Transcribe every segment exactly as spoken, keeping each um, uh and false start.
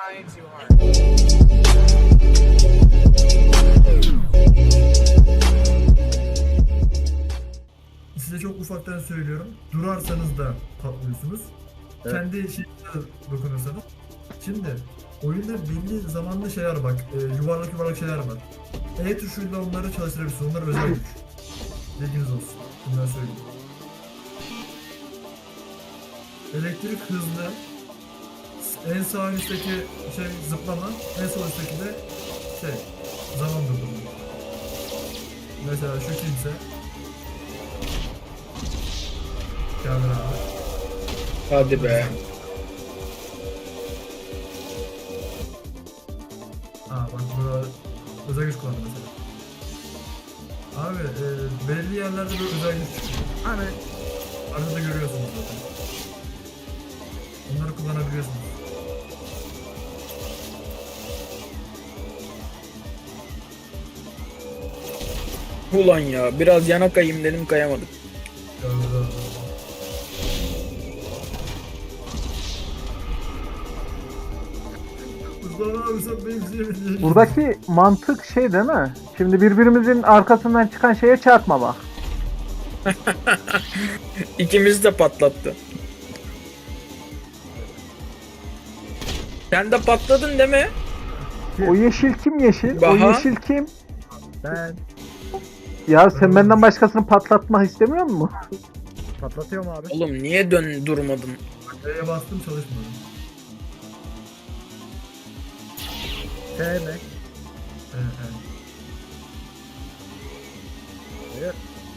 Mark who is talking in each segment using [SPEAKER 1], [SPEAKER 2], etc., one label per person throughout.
[SPEAKER 1] trying too hard.
[SPEAKER 2] Size çok ufaktan söylüyorum. Durarsanız da patlıyorsunuz.
[SPEAKER 3] Evet.
[SPEAKER 2] Kendi şeyinize dokunursanız. Şimdi oyunda belli zamanlı şeyler bak. E, yuvarlak yuvarlak şeyler var. E tuşuyla onları çalıştırabilirsiniz. Onlar özel güç. Bilginiz olsun. Bunları söyleyeyim. Elektrik hızlı. En sağ üstteki şey zıplama. En sol üstteki de şey zaman durdurma. Mesela şu kimse. Geldi abi.
[SPEAKER 4] Hadi be.
[SPEAKER 2] Aa bak burada özel güç kullandı mesela. Abi e, belli yerlerde böyle özel güç çıkıyor.
[SPEAKER 3] Hani
[SPEAKER 2] Arada görüyorsunuz zaten. Onları kullanabiliyorsunuz.
[SPEAKER 4] Ulan ya biraz yana kayayım dedim kayamadım.
[SPEAKER 2] Gördüler abi. Mustafa abi sen benim şeyimi niye
[SPEAKER 5] Buradaki mantık şey değil mi? Şimdi birbirimizin arkasından çıkan şeye çarpma bak.
[SPEAKER 4] İkimiz de patlattı. Sen de patladın değil mi?
[SPEAKER 5] O yeşil kim yeşil? O
[SPEAKER 4] Baha.
[SPEAKER 5] yeşil kim?
[SPEAKER 3] ben
[SPEAKER 5] Ya sen benden başkasını patlatmak istemiyor musun?
[SPEAKER 3] patlatıyorum abi.
[SPEAKER 4] Oğlum niye dön durmadın?
[SPEAKER 2] D'ye bastım çalışmadı.
[SPEAKER 3] T mi?
[SPEAKER 2] Evet, evet.
[SPEAKER 3] Evet.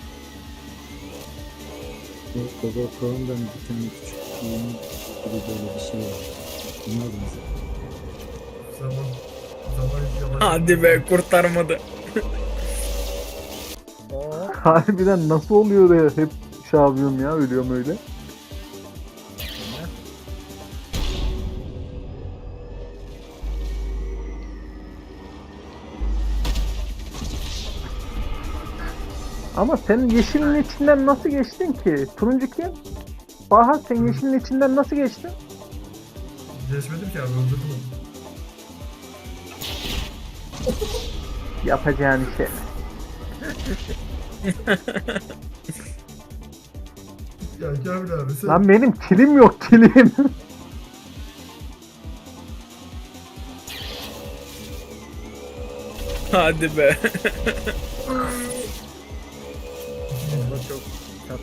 [SPEAKER 6] Baba Chrome'dan bir tane küçük yeni gibi böyle bir şey var. Bunlar mı?
[SPEAKER 2] Zaman zaman yavaş.
[SPEAKER 4] Hadi be kurtarmadı.
[SPEAKER 3] O
[SPEAKER 5] Harbiden nasıl oluyor da hep şey yapıyorum ya, ölüyorum öyle. Ama sen yeşilin içinden nasıl geçtin ki? Turuncu kim? Baha sen yeşilin içinden nasıl geçtin?
[SPEAKER 2] Geçmedim ki abi öldürdüm onu.
[SPEAKER 5] Yapacağın şey.
[SPEAKER 2] Ya Kamil abi sen...
[SPEAKER 5] Lan benim kilim yok kilim.
[SPEAKER 4] Hadi be.
[SPEAKER 3] orada çok çat.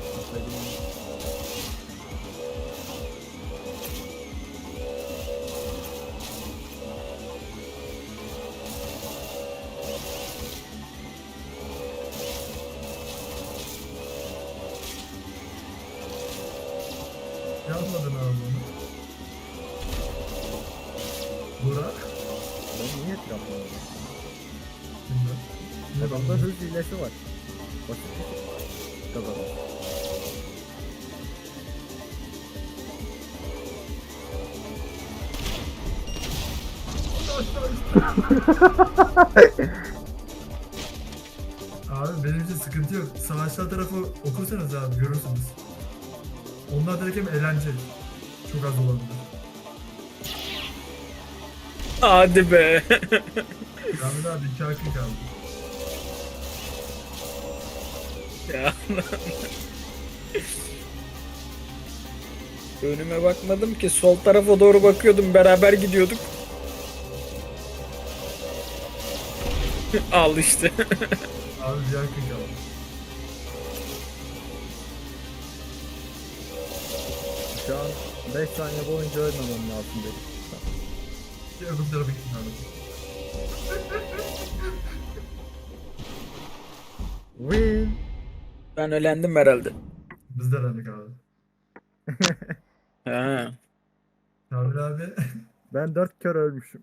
[SPEAKER 2] Yapmadın abi onu. Burak.
[SPEAKER 3] Ben niye yapmadım?
[SPEAKER 2] Bilmem. Ne
[SPEAKER 3] Adamda
[SPEAKER 2] bakıyorsun?
[SPEAKER 3] hız hilesi var. Basit bir şey. Kazanır.
[SPEAKER 2] Abi benim için sıkıntı yok. Savaşlar tarafı okursanız abi görürsünüz. Onlar direkt hem eğlence. Çok az olabilir.
[SPEAKER 4] Hadi be.
[SPEAKER 2] Kamil abi iki hakkı kaldı.
[SPEAKER 4] Ya. Önüme bakmadım ki sol tarafa doğru bakıyordum beraber gidiyorduk. Al işte.
[SPEAKER 2] Abi bir hakkı kaldı.
[SPEAKER 3] Şu an beş saniye boyunca ölmemem lazım dedim.
[SPEAKER 2] Bir öbür tarafa gittin abi.
[SPEAKER 3] Win.
[SPEAKER 4] Ben ölendim herhalde.
[SPEAKER 2] Biz de elendik abi.
[SPEAKER 4] Ha.
[SPEAKER 2] Kamil abi.
[SPEAKER 3] Ben dört kere ölmüşüm.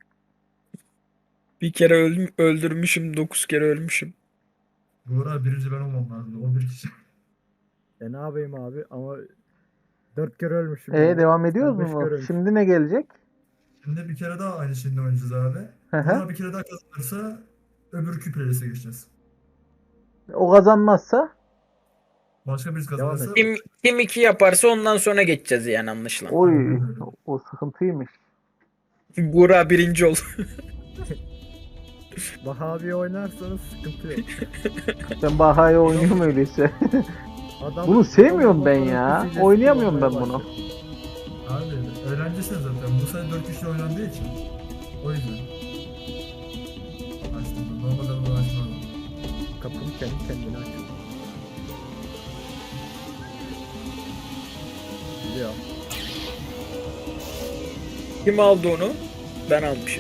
[SPEAKER 4] Bir kere öldüm, öldürmüşüm, dokuz kere ölmüşüm.
[SPEAKER 2] Buğra birinci ben olmam lazım. on bir kişi.
[SPEAKER 3] E ne yapayım abi ama dört kere ölmüşüm.
[SPEAKER 5] E
[SPEAKER 3] yani.
[SPEAKER 5] devam ediyoruz
[SPEAKER 3] Sen beş
[SPEAKER 5] mu?
[SPEAKER 3] kere ölmüşsün.
[SPEAKER 5] Şimdi ne gelecek?
[SPEAKER 2] Şimdi bir kere daha aynı şeyini oynayacağız abi.
[SPEAKER 5] Hı hı.
[SPEAKER 2] Buğra bir kere daha kazanırsa öbür küplerese geçeceğiz.
[SPEAKER 5] O kazanmazsa
[SPEAKER 2] Başka birisi
[SPEAKER 3] Devam
[SPEAKER 2] kazanırsa...
[SPEAKER 3] et.
[SPEAKER 4] Kim, kim iki yaparsa ondan sonra geçeceğiz yani anlaşılan.
[SPEAKER 5] oy o sıkıntıymış.
[SPEAKER 4] Buğra birinci ol.
[SPEAKER 3] Baha abi oynarsanız sıkıntı yok.
[SPEAKER 5] Ben Baha'yı oynuyorum öyleyse.
[SPEAKER 3] Adam,
[SPEAKER 5] Bunu sevmiyorum ben
[SPEAKER 3] adam
[SPEAKER 5] ya.
[SPEAKER 3] motorun
[SPEAKER 5] Oynayamıyorum ben
[SPEAKER 3] kullanmaya
[SPEAKER 5] bunu.
[SPEAKER 3] başladı.
[SPEAKER 2] Abi öğrencisin zaten. Bu sayede dört kişi oynandığı için. O yüzden. Açtım. Normalde bunu açmam.
[SPEAKER 3] Kapım kendi kendine açıyor. Biliyor.
[SPEAKER 4] Kim aldı onu? Ben almışım.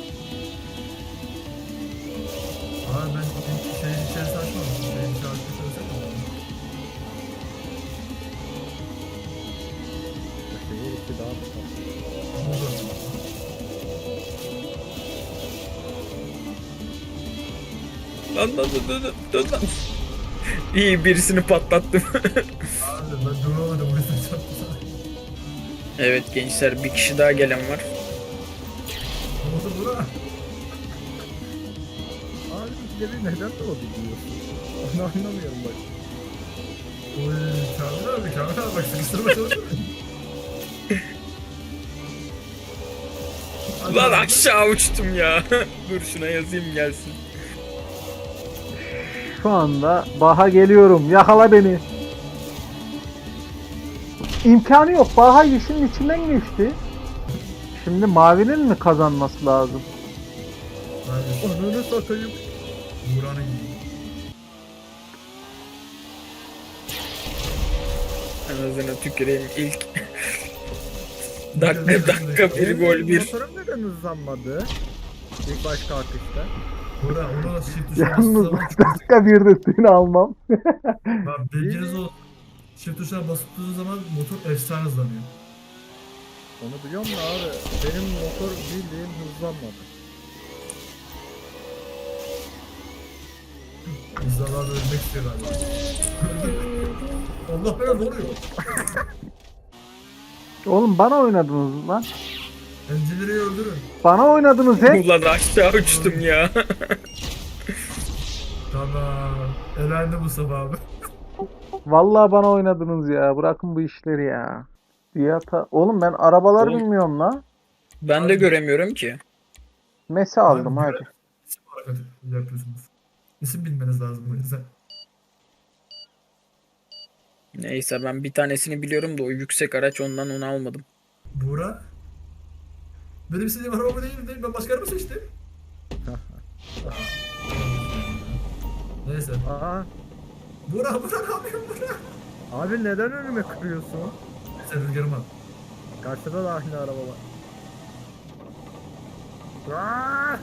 [SPEAKER 2] Abi ben ilk şeyin içerisine açmamıştım. Şeyin içerisine açmıştım.
[SPEAKER 3] Şeyi iki daha mı?
[SPEAKER 4] Lan lan lan lan lan lan. İyi birisini patlattım.
[SPEAKER 2] Abi ben duramadım. Bu yüzden çarptı.
[SPEAKER 4] Evet gençler bir kişi daha gelen var.
[SPEAKER 2] Ne oldu bura?
[SPEAKER 3] Abi ikide bir neden doğdu diyorsun? Onu anlamıyorum bak.
[SPEAKER 2] Oy Kamil abi Kamil abi bak sıkıştırma çalışıyor.
[SPEAKER 4] Lan aşağı uçtum ya. Dur şuna yazayım gelsin.
[SPEAKER 5] Şu anda Baha geliyorum. Yakala beni. İmkanı yok. Baha yeşilin içinden geçti. Şimdi mavinin mi kazanması lazım?
[SPEAKER 2] Abi
[SPEAKER 3] Onunu satayım.
[SPEAKER 2] Buğra'nın gibi.
[SPEAKER 4] Anasını tüküreyim ilk. dakika dakika bir
[SPEAKER 3] Benim
[SPEAKER 4] gol bir.
[SPEAKER 3] Motorum neden hızlanmadı? İlk baş kalkışta.
[SPEAKER 2] Buğra onu shift tuşuna
[SPEAKER 5] Yalnız
[SPEAKER 2] bastığı zaman
[SPEAKER 5] dakika bir de seni almam.
[SPEAKER 2] bak bilginiz olsun. Shift tuşuna bastığı zaman motor efsane hızlanıyor.
[SPEAKER 3] Onu biliyorum da abi. Benim motor bildiğin hızlanmadı.
[SPEAKER 2] İnsanlar da ölmek istiyor galiba. Allah belanı ne oluyor?
[SPEAKER 5] Oğlum bana oynadınız lan.
[SPEAKER 2] Encileri öldürün.
[SPEAKER 5] Bana oynadınız he.
[SPEAKER 4] Ulan aşağı uçtum ya.
[SPEAKER 2] Tamam. Elendi Mustafa abi.
[SPEAKER 5] Vallahi bana oynadınız ya. Bırakın bu işleri ya. Fiyata... Oğlum ben arabalar
[SPEAKER 4] Oğlum.
[SPEAKER 5] bilmiyorum la.
[SPEAKER 4] Ben de göremiyorum ki.
[SPEAKER 5] Mese aldım
[SPEAKER 2] Abi,
[SPEAKER 5] hadi.
[SPEAKER 2] İsim olarak yapıyorsunuz. İsim bilmeniz lazım bu yüzden.
[SPEAKER 4] Neyse ben bir tanesini biliyorum da o yüksek araç ondan onu almadım.
[SPEAKER 2] Buğra. Benim istediğim araba değil değil. Ben başka araba seçtim. Neyse.
[SPEAKER 3] Aa,
[SPEAKER 2] Buğra Buğra ne yapıyorsun Buğra?
[SPEAKER 3] abi neden önüme kırıyorsun?
[SPEAKER 2] Neyse rüzgarım al.
[SPEAKER 3] Karşıda da aynı araba var. Aa!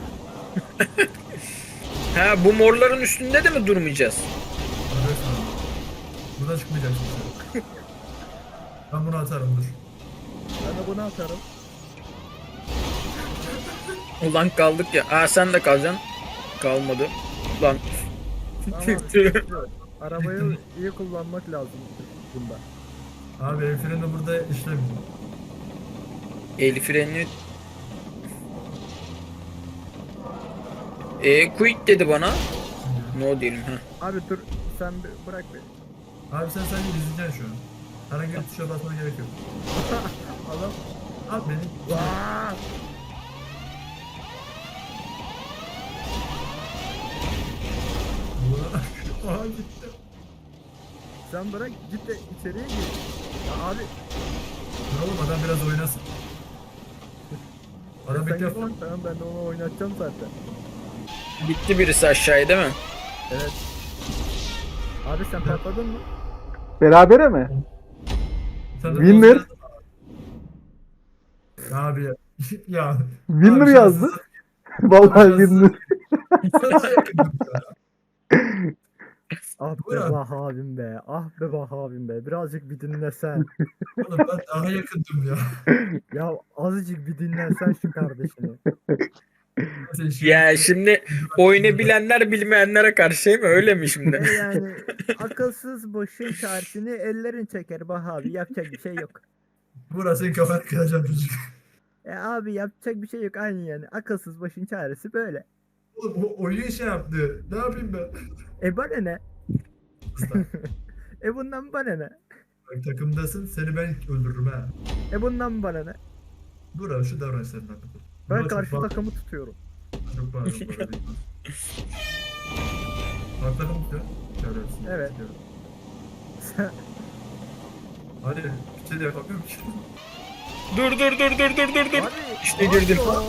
[SPEAKER 4] Ha bu morların üstünde de mi durmayacağız?
[SPEAKER 2] Duracaksın abi. Buradan çıkmayacaksın sen. Ben bunu atarım dur.
[SPEAKER 3] Ben de bunu atarım.
[SPEAKER 4] Ulan kaldık ya. Aa sen de kalacaksın. Kalmadı. Lan.
[SPEAKER 3] Tamam abi, sıkıntı yok. Arabayı iyi kullanmak lazım bunda.
[SPEAKER 2] Abi el freni burada işlemiyor.
[SPEAKER 4] El freni. E quick dedi bana. No diyelim ha.
[SPEAKER 3] Abi dur sen bir bırak beni.
[SPEAKER 2] Abi sen sadece izleyeceksin şu an. Herhangi bir tuşa basmana gerek yok.
[SPEAKER 3] Adam.
[SPEAKER 2] Abi beni...
[SPEAKER 3] Aa!
[SPEAKER 2] Buğra... Aha gitti.
[SPEAKER 3] Sen bırak git de içeriye gir. Ya abi
[SPEAKER 2] Dur oğlum adam biraz oynasın. Adam
[SPEAKER 3] sen
[SPEAKER 2] ilk defa...
[SPEAKER 3] git, tamam ben de onu oynatacağım zaten.
[SPEAKER 4] Gitti birisi aşağıya değil mi?
[SPEAKER 3] Evet. Abi sen patladın mı?
[SPEAKER 5] Berabere mi?
[SPEAKER 2] Sen de
[SPEAKER 5] Winner.
[SPEAKER 2] poz verdin. Abi ya. ya.
[SPEAKER 5] Winner
[SPEAKER 2] Abi
[SPEAKER 5] yazdı.
[SPEAKER 2] şanssız-
[SPEAKER 5] Vallahi
[SPEAKER 2] şanssız-
[SPEAKER 5] winner.
[SPEAKER 2] Sana yakındım ya.
[SPEAKER 3] Ah be
[SPEAKER 2] Buyurun.
[SPEAKER 3] Bah abim be. Ah be Bah abim be. Birazcık bir dinlesen.
[SPEAKER 2] Oğlum ben daha yakındım ya.
[SPEAKER 3] Ya azıcık bir dinlensen şu kardeşini.
[SPEAKER 2] Sen şu-
[SPEAKER 4] Ya şimdi oyunu bilenler bilmeyenlere karşı değil mi? Öyle mi şimdi?
[SPEAKER 3] E yani akılsız boşun çaresini ellerin çeker Bah abi. Yapacak bir şey yok.
[SPEAKER 2] Burası senin kafanı kıracağım çocuk.
[SPEAKER 3] E abi yapacak bir şey yok aynı yani. Akılsız başın çaresi böyle.
[SPEAKER 2] Oğlum o oyun şey yaptı. Ne yapayım ben?
[SPEAKER 3] E bana ne?
[SPEAKER 2] Usta,
[SPEAKER 3] E bundan bana ne?
[SPEAKER 2] bak takımdasın seni ben öldürürüm ha.
[SPEAKER 3] E bundan bana ne?
[SPEAKER 2] Dur abi şu davranışlarından.
[SPEAKER 3] Ben
[SPEAKER 2] Murat,
[SPEAKER 3] karşı
[SPEAKER 2] bak-
[SPEAKER 3] takımı tutuyorum.
[SPEAKER 2] Çok bağırıyorum bu arada. Bak takım tutuyor. Şöyle.
[SPEAKER 3] Evet.
[SPEAKER 2] tutuyorum. Hadi bir şey de yapamıyorum ki.
[SPEAKER 4] Dur dur dur dur dur dur dur.
[SPEAKER 3] Abi,
[SPEAKER 4] İşte girdim.
[SPEAKER 3] pardon.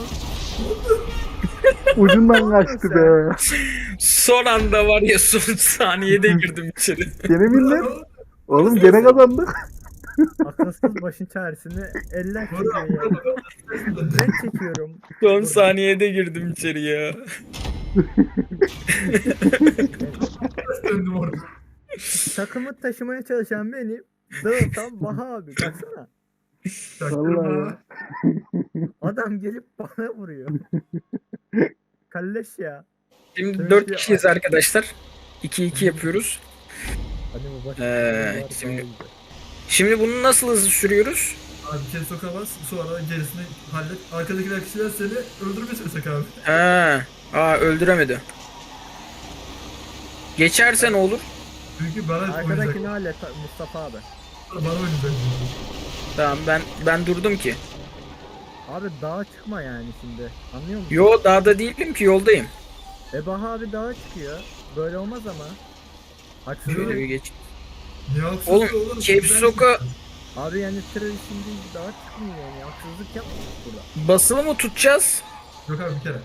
[SPEAKER 5] Ucundan kaçtı be.
[SPEAKER 4] Son anda var ya son saniyede girdim içeri.
[SPEAKER 5] Gene millet. Oğlum gene kazandık.
[SPEAKER 3] Akılsız başın çaresini eller çekiyor ya. Ben çekiyorum.
[SPEAKER 4] Son saniyede girdim içeri ya.
[SPEAKER 2] Döndüm orada.
[SPEAKER 3] Takımı taşımaya çalışan benim. Dağıtan Baha abi. Baksana.
[SPEAKER 2] Çaktırma.
[SPEAKER 5] Vallahi ya.
[SPEAKER 3] Adam gelip bana vuruyor. Kalleş ya.
[SPEAKER 4] Şimdi
[SPEAKER 3] Evet,
[SPEAKER 4] dört
[SPEAKER 3] ya.
[SPEAKER 4] kişiyiz arkadaşlar. iki iki yapıyoruz.
[SPEAKER 3] Hadi bu baş.
[SPEAKER 4] Ee, şimdi- Şimdi bunu nasıl hızlı sürüyoruz?
[SPEAKER 2] Abi bir kere sokamaz. Sonra gerisini hallet. Arkadakiler kişiler seni öldürmeye çalışacak abi.
[SPEAKER 4] Ha, aa öldüremedi. Geçerse ne olur?
[SPEAKER 2] Çünkü bana
[SPEAKER 3] Arkadakini
[SPEAKER 2] oynayacak.
[SPEAKER 3] hallet Mustafa abi.
[SPEAKER 2] Bana oynayacak.
[SPEAKER 4] Tamam ben ben durdum ki.
[SPEAKER 3] Abi dağa çıkma yani şimdi. Anlıyor musun?
[SPEAKER 4] Yo dağda değilim ki yoldayım.
[SPEAKER 3] E Baha abi dağa çıkıyor. Böyle olmaz ama. Haksızlık.
[SPEAKER 4] Şöyle bir geç.
[SPEAKER 2] Niye haksız
[SPEAKER 4] Oğlum,
[SPEAKER 2] olur?
[SPEAKER 4] Cape
[SPEAKER 2] Güzel
[SPEAKER 4] Soka-
[SPEAKER 2] çıktı.
[SPEAKER 3] Abi yani tırı şimdi dağa çıkmıyor yani. Haksızlık yapma burada.
[SPEAKER 4] Basılı mı tutacağız?
[SPEAKER 2] Yok abi bir kere.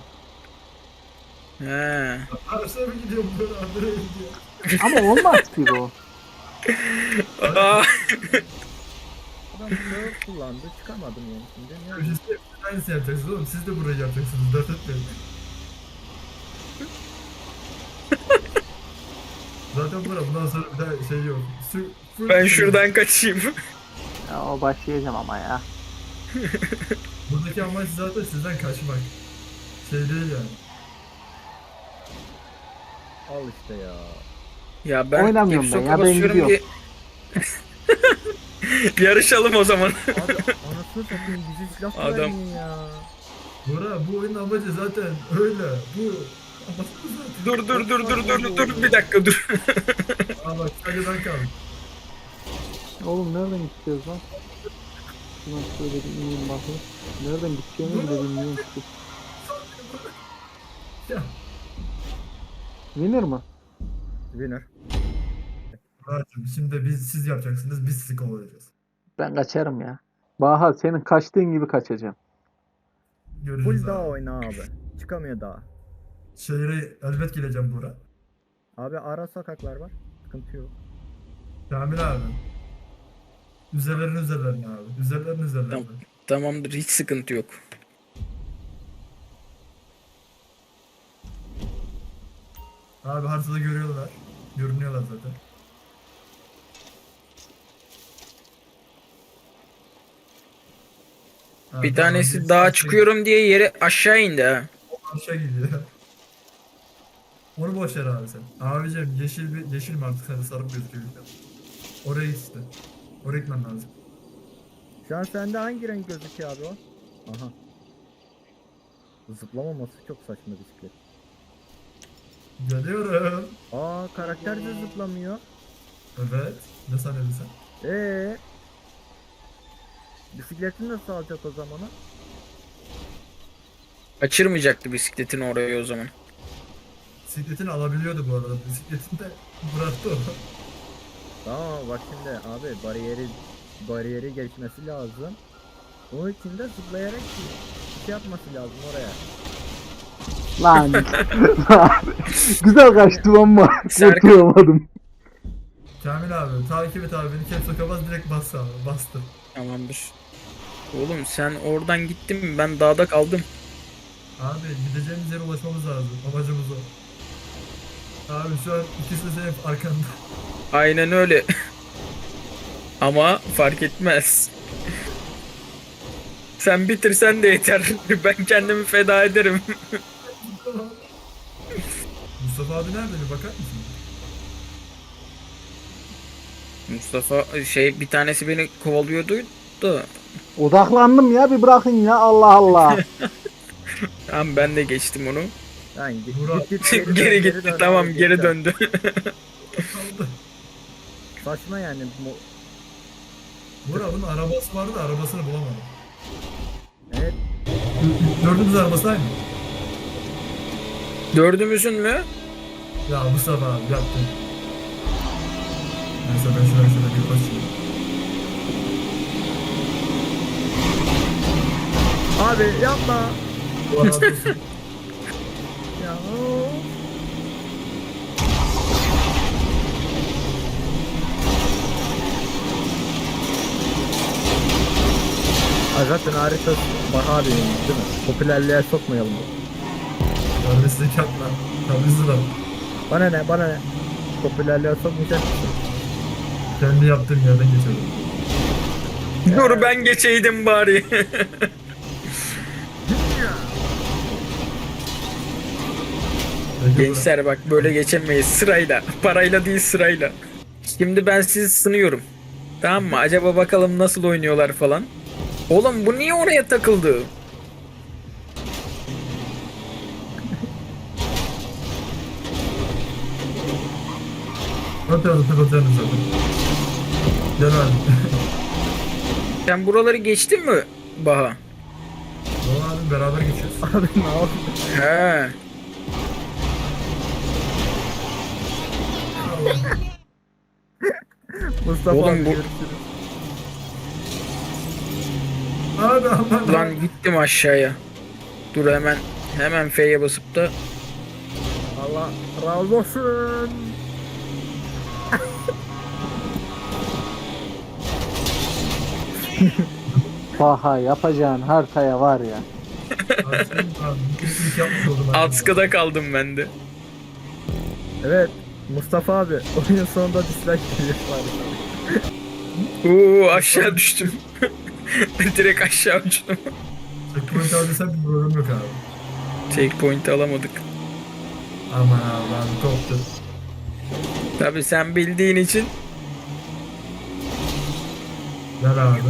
[SPEAKER 4] He.
[SPEAKER 2] Arşa mı gidiyorum böyle Andrea gidiyor.
[SPEAKER 5] Ama olmaz ki o.
[SPEAKER 4] Aa,
[SPEAKER 3] Adam dağı kullandı. Çıkamadım yani şimdi. Ne yapayım?
[SPEAKER 2] Siz de aynısını yapacaksınız oğlum. Siz de burayı yapacaksınız. Dert etmeyin. Zaten bura bundan sonra bir daha şey yok. Su, full
[SPEAKER 4] ben
[SPEAKER 2] şey-
[SPEAKER 4] şuradan kaçayım.
[SPEAKER 5] Ya o başlayacağım ama ya.
[SPEAKER 2] Buradaki amaç zaten sizden kaçmak. Şey değil yani.
[SPEAKER 3] Al işte ya.
[SPEAKER 4] Ya ben
[SPEAKER 5] Oynamıyorum
[SPEAKER 4] Cape
[SPEAKER 5] ben
[SPEAKER 4] Soka
[SPEAKER 5] ya, ben
[SPEAKER 4] basıyorum ki. Yarışalım o zaman.
[SPEAKER 3] Abi anasını satayım bizi silah
[SPEAKER 4] Adam-
[SPEAKER 3] vermiyor ya.
[SPEAKER 2] Bura bu oyunun amacı zaten öyle. Bu amacı bu zaten.
[SPEAKER 4] Dur dur dur dur dur dur bir dakika dur.
[SPEAKER 2] Aa bak sadece ben kaldım.
[SPEAKER 5] Oğlum nereden gideceğiz lan? Şuna şöyle bir ineyim bakayım. Nereden gideceğimi bile bilmiyorum ki.
[SPEAKER 2] Ya.
[SPEAKER 5] Winner mı?
[SPEAKER 3] Winner.
[SPEAKER 2] Murat'cığım şimdi biz siz yapacaksınız biz sizi kovalayacağız.
[SPEAKER 5] Ben kaçarım ya. Baha senin kaçtığın gibi kaçacağım.
[SPEAKER 2] Göreceğiz
[SPEAKER 3] Full dağ
[SPEAKER 2] abi.
[SPEAKER 3] oyna abi. Çıkamıyor dağ.
[SPEAKER 2] Şehre elbet geleceğim Bura.
[SPEAKER 3] Abi ara sokaklar var. Sıkıntı yok.
[SPEAKER 2] Kamil abi. Üzerlerine üzerlerine abi. Üzerlerine üzerlerine.
[SPEAKER 4] Tamam. Tamamdır hiç sıkıntı yok.
[SPEAKER 2] Abi haritada görüyorlar. Görünüyorlar zaten. Ha,
[SPEAKER 4] Bir
[SPEAKER 2] tamam,
[SPEAKER 4] tanesi
[SPEAKER 2] gerisi
[SPEAKER 4] dağa
[SPEAKER 2] aşağı-
[SPEAKER 4] çıkıyorum diye yere aşağı indi ha.
[SPEAKER 2] Aşağı gidiyor. Onu boş ver abi sen. Abicim yeşil bir yeşil mi artık sen sarı mı gözüküyor? Oraya git işte. Oraya gitmen lazım.
[SPEAKER 3] Şu an sende hangi renk gözüküyor abi o? Aha. Zıplamaması çok saçma bisiklet.
[SPEAKER 2] Geliyorum.
[SPEAKER 3] Aa karakter de zıplamıyor.
[SPEAKER 2] Evet. Ne sanıyordun sen?
[SPEAKER 3] Ee. Bisikletini nasıl alacak o zaman o?
[SPEAKER 4] Kaçırmayacaktı bisikletini oraya o zaman.
[SPEAKER 2] Bisikletini alabiliyordu bu arada. Bisikletini de bıraktı o.
[SPEAKER 3] Tamam bak şimdi abi bariyeri bariyeri geçmesi lazım. Onun için de zıplayarak şey yapması lazım oraya.
[SPEAKER 5] Lan. Güzel kaçtım ama
[SPEAKER 4] Serkan-
[SPEAKER 5] kurtulamadım.
[SPEAKER 2] Kamil abi takip et abi beni caps lock'a bas direkt bas abi bastı.
[SPEAKER 4] Tamamdır. Oğlum sen oradan gittin ben dağda kaldım.
[SPEAKER 2] Abi gideceğimiz yere ulaşmamız lazım. Amacımız o. Abi şu an ikisi de senin arkanda.
[SPEAKER 4] Aynen öyle. Ama fark etmez. Sen bitirsen de yeter. Ben kendimi feda ederim.
[SPEAKER 2] Mustafa abi nerede bir bakar mısın?
[SPEAKER 4] Mustafa şey bir tanesi beni kovalıyordu da.
[SPEAKER 5] Odaklandım ya, bir bırakın ya, Allah Allah.
[SPEAKER 4] Tamam ben de geçtim onu.
[SPEAKER 3] Yani git,
[SPEAKER 2] Murat.
[SPEAKER 3] git, git,
[SPEAKER 4] Geri gitti
[SPEAKER 3] dön,
[SPEAKER 4] tamam
[SPEAKER 3] abi,
[SPEAKER 4] geri
[SPEAKER 3] dön.
[SPEAKER 4] döndü.
[SPEAKER 2] Kaldı.
[SPEAKER 3] Saçma yani. Mo-
[SPEAKER 2] Bura bunun arabası vardı da arabasını bulamadım.
[SPEAKER 3] Evet.
[SPEAKER 2] Dördümüz arabası aynı.
[SPEAKER 4] Dördümüzün mü?
[SPEAKER 2] Ya Mustafa abi yaptın. Neyse ben şöyle şöyle bir basayım.
[SPEAKER 3] Abi yapma.
[SPEAKER 2] Bu arada olsun.
[SPEAKER 3] Ya. Aa, zaten harita Baha değil mi? Popülerliğe sokmayalım.
[SPEAKER 2] Kardeşlik yapma. Tabii lan.
[SPEAKER 3] Bana ne bana ne? Popülerliğe sokmayacak mısın?
[SPEAKER 2] Kendi yaptığım yerden geçelim.
[SPEAKER 4] Dur ben geçeydim bari.
[SPEAKER 2] Peki,
[SPEAKER 4] Gençler bak böyle geçemeyiz sırayla. Parayla değil sırayla. Şimdi ben sizi sınıyorum. Tamam mı? Acaba bakalım nasıl oynuyorlar falan. Oğlum bu niye oraya takıldı?
[SPEAKER 2] Ne tarafı takılacağını zaten. Gel abi.
[SPEAKER 4] Sen buraları geçtin mi Baha?
[SPEAKER 2] Doğru abi beraber geçiyoruz.
[SPEAKER 3] Abi ne yapıyorsun?
[SPEAKER 4] He.
[SPEAKER 3] Mustafa
[SPEAKER 4] Oğlum
[SPEAKER 3] abi
[SPEAKER 4] bu-
[SPEAKER 3] görüşürüz.
[SPEAKER 2] Abi aman.
[SPEAKER 4] Lan gittim aşağıya. Dur hemen hemen F'ye basıp da
[SPEAKER 3] Allah razı olsun.
[SPEAKER 5] Baha yapacağın haritaya var ya.
[SPEAKER 2] Abi senin abi. İlk yapmış oldum abi.
[SPEAKER 4] Askıda kaldım ben de.
[SPEAKER 3] Evet Mustafa abi oyunun sonunda dislike geliyor var.
[SPEAKER 4] Oo aşağı düştüm. Direkt aşağı uçtum.
[SPEAKER 2] Checkpoint aldıysan bir problem yok abi.
[SPEAKER 4] Checkpoint alamadık.
[SPEAKER 2] Aman abi abi koptu.
[SPEAKER 4] Tabi sen bildiğin için
[SPEAKER 2] Gel abi.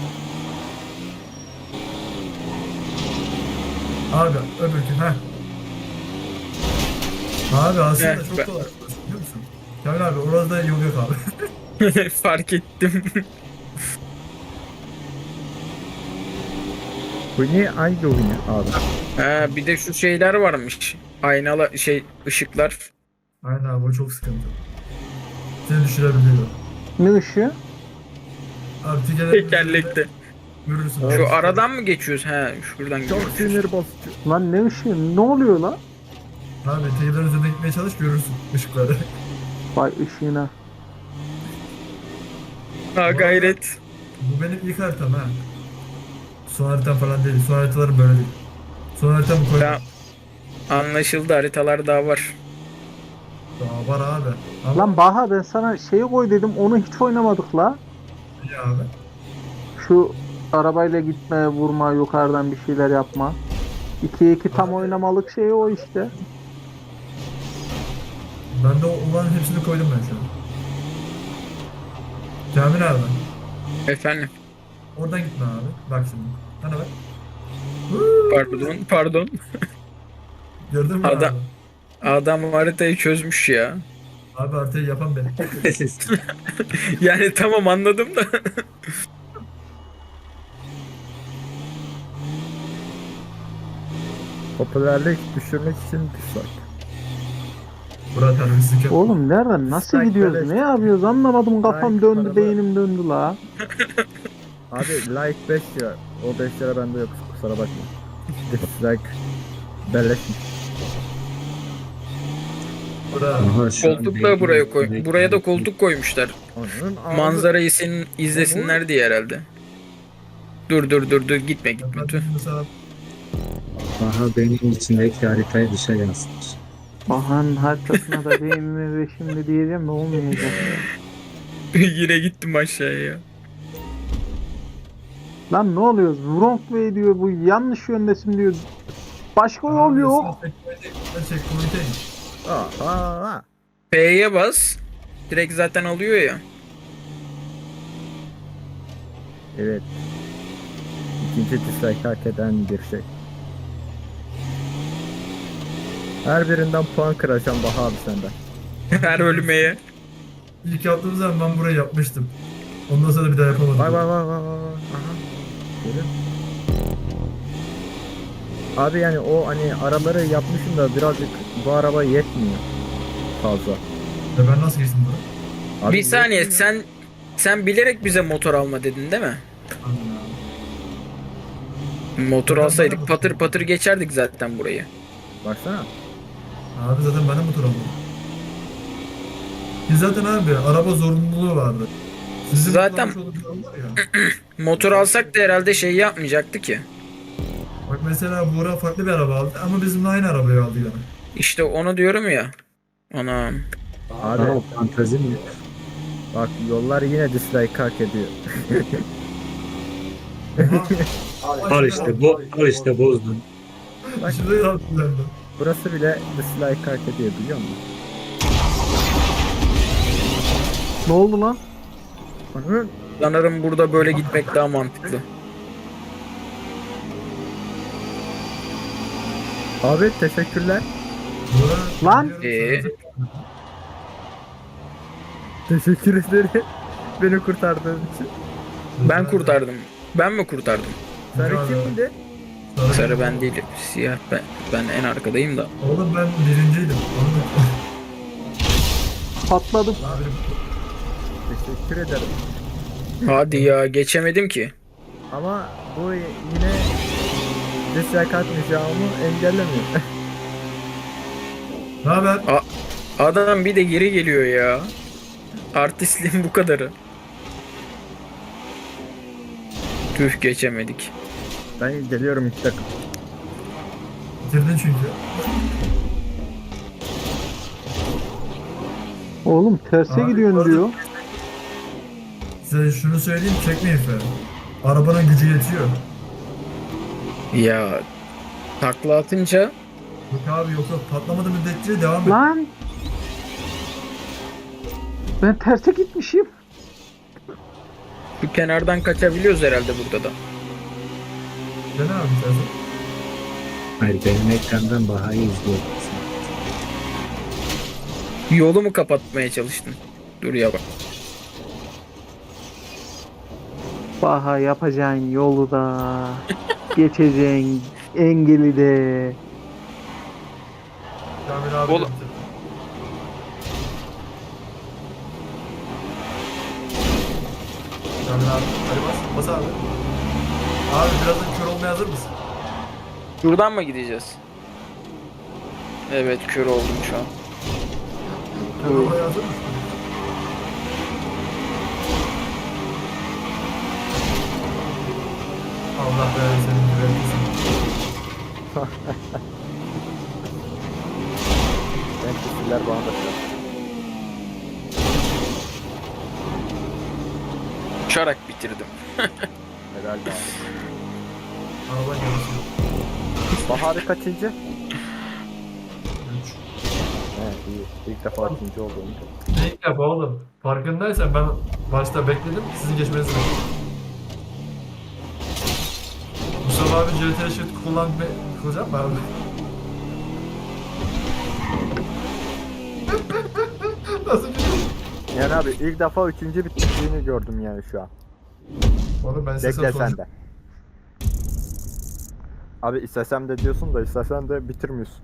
[SPEAKER 2] Abi öbürkü heh. Abi aslında
[SPEAKER 4] Heh,
[SPEAKER 2] çok
[SPEAKER 4] ben-
[SPEAKER 2] kolay burası, biliyor musun? Kamil abi orada yol yok abi.
[SPEAKER 4] fark ettim.
[SPEAKER 3] Bu niye hangi oyunu abi?
[SPEAKER 4] Ha bir de şu şeyler varmış. Aynalı şey ışıklar.
[SPEAKER 2] Aynen abi o çok sıkıntı. Seni düşürebiliyor.
[SPEAKER 5] Ne ışığı?
[SPEAKER 2] Abi tekerlekli
[SPEAKER 4] Tekerlekte.
[SPEAKER 2] görürsün.
[SPEAKER 4] Şu aradan mı geçiyoruz? He şuradan
[SPEAKER 3] Çok
[SPEAKER 4] gidiyoruz.
[SPEAKER 3] sinir bozucu.
[SPEAKER 5] Lan ne ışığı? Ne oluyor lan?
[SPEAKER 2] Abi tekerlerin üzerine gitmeye çalış görürsün ışıkları.
[SPEAKER 5] Vay ışığına.
[SPEAKER 4] Ha gayret.
[SPEAKER 2] Bu benim ilk haritam ha. Son haritam falan değil. Son haritalarım böyle değil. Son haritamı koydum.
[SPEAKER 4] Ya, anlaşıldı haritalar daha var.
[SPEAKER 2] Daha var abi. Ama
[SPEAKER 5] Lan Baha ben sana şeyi koy dedim onu hiç oynamadık la.
[SPEAKER 2] iyi abi.
[SPEAKER 5] Şu arabayla gitme, vurma, yukarıdan bir şeyler yapma. ikiye iki tam
[SPEAKER 2] Abi.
[SPEAKER 5] oynamalık şey o işte.
[SPEAKER 2] Ben de o olan hepsini koydum ben şu an. Kamil abi.
[SPEAKER 4] Efendim.
[SPEAKER 2] Oradan gitme abi. Bak şimdi. Bana bak.
[SPEAKER 4] Pardon pardon.
[SPEAKER 2] Gördün mü
[SPEAKER 4] Adam-
[SPEAKER 2] abi?
[SPEAKER 4] Adam haritayı çözmüş ya.
[SPEAKER 2] Abi haritayı yapan benim.
[SPEAKER 4] Yani tamam anladım da.
[SPEAKER 3] Popülerlik düşürmek için dislike.
[SPEAKER 2] Burak terbiyesizlik yapma.
[SPEAKER 5] Oğlum nereden nasıl
[SPEAKER 3] Strike
[SPEAKER 5] gidiyoruz?
[SPEAKER 3] beleş.
[SPEAKER 5] Ne yapıyoruz? Anlamadım kafam
[SPEAKER 3] Strike
[SPEAKER 5] döndü,
[SPEAKER 3] paralı.
[SPEAKER 5] beynim döndü la.
[SPEAKER 3] Abi like beş lira. O beş lira bende yok kusura bakma. Dislike belleşmiş.
[SPEAKER 2] Burak.
[SPEAKER 6] Aha, şu an
[SPEAKER 4] Koltuk da
[SPEAKER 6] belki-
[SPEAKER 4] buraya koy.
[SPEAKER 6] belki-
[SPEAKER 4] Buraya da koltuk koymuşlar.
[SPEAKER 3] Onun ağzı-
[SPEAKER 4] Manzarayı senin izlesinler diye herhalde. Dur dur dur dur gitme gitme
[SPEAKER 2] Ben
[SPEAKER 4] dur.
[SPEAKER 2] mesela
[SPEAKER 6] Aha benim içindeki haritayı dışa yansıtmış.
[SPEAKER 5] Baha'nın haritasına da beynime ve şimdi diyeceğim de olmayacak.
[SPEAKER 4] Yine gittim aşağıya ya.
[SPEAKER 5] Lan ne oluyoruz? Wrong way diyor bu yanlış yöndesin diyor. Başka yol yok.
[SPEAKER 2] Checkpoint'e git.
[SPEAKER 3] Aa, aa, aa.
[SPEAKER 4] P'ye bas. Direkt zaten alıyor ya.
[SPEAKER 3] Evet. İkinci dislike hak eden bir şey. Her birinden puan kıracağım Baha abi senden.
[SPEAKER 4] Her ölmeye.
[SPEAKER 2] İlk yaptığım zaman ben burayı yapmıştım. Ondan sonra bir daha yapamadım.
[SPEAKER 3] Bak bak bak bak bak. Aha. Görüyor musun? Abi yani o hani araları yapmışım da birazcık bu araba yetmiyor fazla.
[SPEAKER 2] Ya ben nasıl geçtim buraya?
[SPEAKER 3] Abi
[SPEAKER 4] Bir saniye,
[SPEAKER 3] yetmiyor.
[SPEAKER 4] sen sen bilerek bize motor alma dedin değil mi?
[SPEAKER 2] Aynen abi.
[SPEAKER 4] Motor
[SPEAKER 2] Ben- ben
[SPEAKER 4] alsaydık
[SPEAKER 2] de
[SPEAKER 4] patır
[SPEAKER 2] motor
[SPEAKER 4] patır geçerdik zaten burayı.
[SPEAKER 3] Baksana.
[SPEAKER 2] Abi zaten ben de motor aldım. Ki zaten abi araba zorunluluğu vardı. Sizin
[SPEAKER 4] Zaten-
[SPEAKER 2] motor almış olduğunuz var ya.
[SPEAKER 4] Motor alsak da herhalde şey yapmayacaktı ki.
[SPEAKER 2] Bak mesela Buğra farklı bir araba aldı ama bizimle aynı arabayı aldı yani.
[SPEAKER 4] İşte onu diyorum ya. Anam.
[SPEAKER 3] Abi
[SPEAKER 6] Aa, fantezi mi?
[SPEAKER 3] bak yollar yine dislike hak ediyor.
[SPEAKER 2] Oha.
[SPEAKER 6] Al işte bu, al işte bozdun.
[SPEAKER 3] Bak.
[SPEAKER 2] Şurayı yaptım ben de.
[SPEAKER 3] Burası bile dislike hak ediyor biliyor musun?
[SPEAKER 5] Ne oldu lan?
[SPEAKER 3] Hı?
[SPEAKER 4] Sanırım burada böyle gitmek daha mantıklı.
[SPEAKER 3] Abi teşekkürler.
[SPEAKER 2] Buğra,
[SPEAKER 5] Lan!
[SPEAKER 2] biliyorum
[SPEAKER 4] Ee?
[SPEAKER 2] sana.
[SPEAKER 3] Teşekkür ederim. Beni kurtardığın için.
[SPEAKER 4] Ben kurtardım. Ben mi kurtardım?
[SPEAKER 3] Sarı
[SPEAKER 2] Rica ederim.
[SPEAKER 3] kimdi?
[SPEAKER 4] Sarı ben değilim. Siyah ben. Ben en arkadayım da.
[SPEAKER 2] Oğlum ben birinciydim. Oğlum.
[SPEAKER 5] Patladım.
[SPEAKER 2] Abi
[SPEAKER 3] Teşekkür ederim.
[SPEAKER 4] Hadi ya, geçemedim ki.
[SPEAKER 3] Ama bu yine dislike atmayacağımı engellemiyor.
[SPEAKER 2] ne haber?
[SPEAKER 4] Adam bir de geri geliyor ya. Artistliğin bu kadarı. Tüh, geçemedik.
[SPEAKER 3] Ben geliyorum iki dakika.
[SPEAKER 2] Bitirdin çünkü.
[SPEAKER 5] Oğlum terse
[SPEAKER 2] Abi,
[SPEAKER 5] gidiyorsun
[SPEAKER 2] orada-
[SPEAKER 5] diyor.
[SPEAKER 2] Size şunu söyleyeyim, çekmeyin fe. Arabanın gücü yetiyor.
[SPEAKER 4] Ya takla atınca
[SPEAKER 2] Yok abi, yok yok, patlamadı müddetçe devam et.
[SPEAKER 5] Lan! Ben terse gitmişim.
[SPEAKER 4] şu kenardan kaçabiliyoruz herhalde burada da.
[SPEAKER 2] Dene abi sen.
[SPEAKER 6] Hayır benim ekrandan Baha'yı izliyorum.
[SPEAKER 4] Yolu mu kapatmaya çalıştın? Dur ya bak.
[SPEAKER 5] Baha yapacağın yolu da geçeceğin engeli de.
[SPEAKER 2] Kamil abi.
[SPEAKER 4] Oğlum.
[SPEAKER 2] bitirdi. Kamil abi. Hadi bas. Bas abi. Abi birazdan kör olmaya hazır mısın?
[SPEAKER 4] Şuradan mı gideceğiz? Evet, kör oldum şu an.
[SPEAKER 2] Kör olmaya hazır mısın? Allah be senin güvenlisin.
[SPEAKER 3] Ben kişiler bana da şey yaptı.
[SPEAKER 4] Uçarak bitirdim.
[SPEAKER 3] Helal be abi.
[SPEAKER 2] Araban yarışı.
[SPEAKER 3] Baharı kaçıncı?
[SPEAKER 2] Üç.
[SPEAKER 3] Evet iyi. İlk defa ikinci olduğum.
[SPEAKER 2] Ne ilk defa oğlum? Farkındaysan ben başta bekledim, sizin geçmenizi bekledim. Mustafa abi C T Shift kullanmayı kullanacak mı abi? Nasıl bir şey?
[SPEAKER 3] Yani abi ilk defa üçüncü bitirdiğini gördüm yani şu an.
[SPEAKER 2] Oğlum ben size
[SPEAKER 3] Bekle sen
[SPEAKER 2] soracağım.
[SPEAKER 3] de. Abi istesem de diyorsun da istesen de bitirmiyorsun.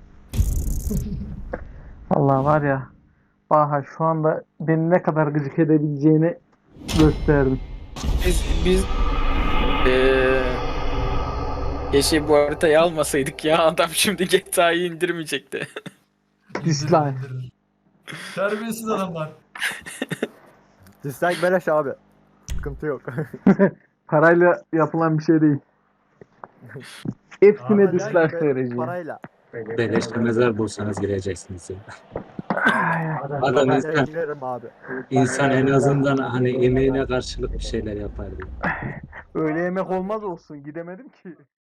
[SPEAKER 5] Allah var ya. Baha şu anda beni ne kadar gıcık edebileceğini gösterdim.
[SPEAKER 4] Biz biz eee keşke bu haritayı almasaydık ya, adam şimdi G T A'yı indirmeyecekti.
[SPEAKER 5] Dislike.
[SPEAKER 2] İndirir, indirir. Terbiyesiz adamlar.
[SPEAKER 3] Dislike beleş abi. Sıkıntı yok.
[SPEAKER 5] Parayla yapılan bir şey değil. Hepsine
[SPEAKER 2] Ama
[SPEAKER 5] dislike vereceğim.
[SPEAKER 3] Parayla.
[SPEAKER 6] Beleşte mezar bulsanız gireceksiniz ya.
[SPEAKER 5] Ay, ay.
[SPEAKER 6] Adam
[SPEAKER 3] Ben
[SPEAKER 6] insan,
[SPEAKER 3] girerim abi.
[SPEAKER 6] insan en azından hani emeğine karşılık bir şeyler yapar diye.
[SPEAKER 5] Öyle yemek olmaz olsun. Gidemedim ki.